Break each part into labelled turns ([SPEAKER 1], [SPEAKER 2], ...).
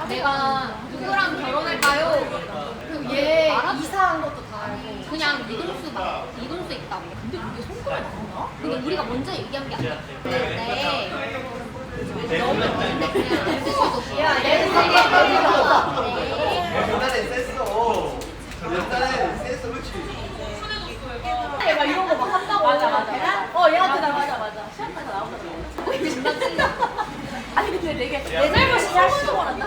[SPEAKER 1] 내가 누구랑 결혼할까요? 그리고 얘 이사한 것도 다 알고 그냥 이동수 있다고. 근데 그게 손가락이 나오나? 근데 우리가 먼저 얘기한 게 아니야. 네. 너무 근데 그냥 안 쓰셔도 야 얘는
[SPEAKER 2] 옛날에 셌어. 옛날에 셌어, 그렇지.
[SPEAKER 3] 막 이런 거 막 한다고. 맞아. 얘한테 나 맞아. 시험에서 나오거든. 아니 근데 되게 내 잘못이 할수록 한다.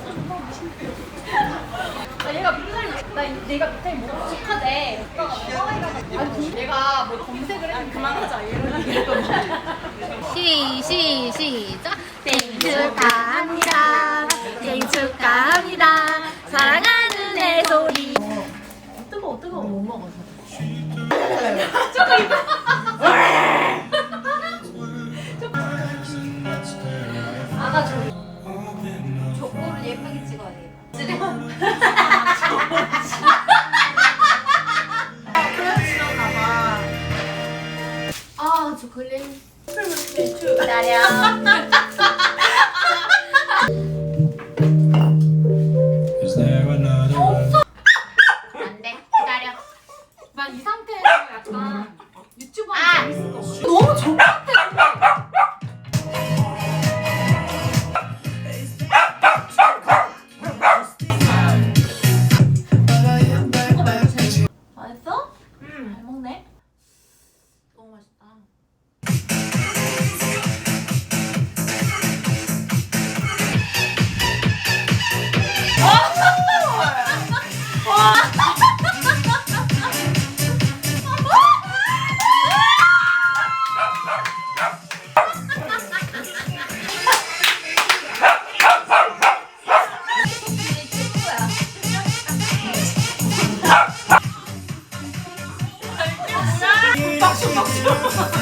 [SPEAKER 3] 얘가 밑에 내가 밑에 뭐 부족하대. 아니 내가 뭐 검색을 했는데 그만하자 이런 얘기.
[SPEAKER 1] 시작. 생일 축하합니다. 생일 축하합니다. 사랑하는 애 소리.
[SPEAKER 3] 뜨거워.
[SPEAKER 1] 못 먹어서.
[SPEAKER 3] 저거 이거.
[SPEAKER 1] 안아줘. 저거를 예쁘게 찍어야 돼. 아, 저 글램. 기다려.
[SPEAKER 4] Is there another one?
[SPEAKER 1] 안 돼. 기다려.
[SPEAKER 3] 난 이 상태에서 약간 유튜브 하면 재밌을 것 같아.
[SPEAKER 1] 너무 좋아.
[SPEAKER 3] 맛있어? 잘 먹네.
[SPEAKER 1] 너무 맛있다.
[SPEAKER 3] 빡쳐.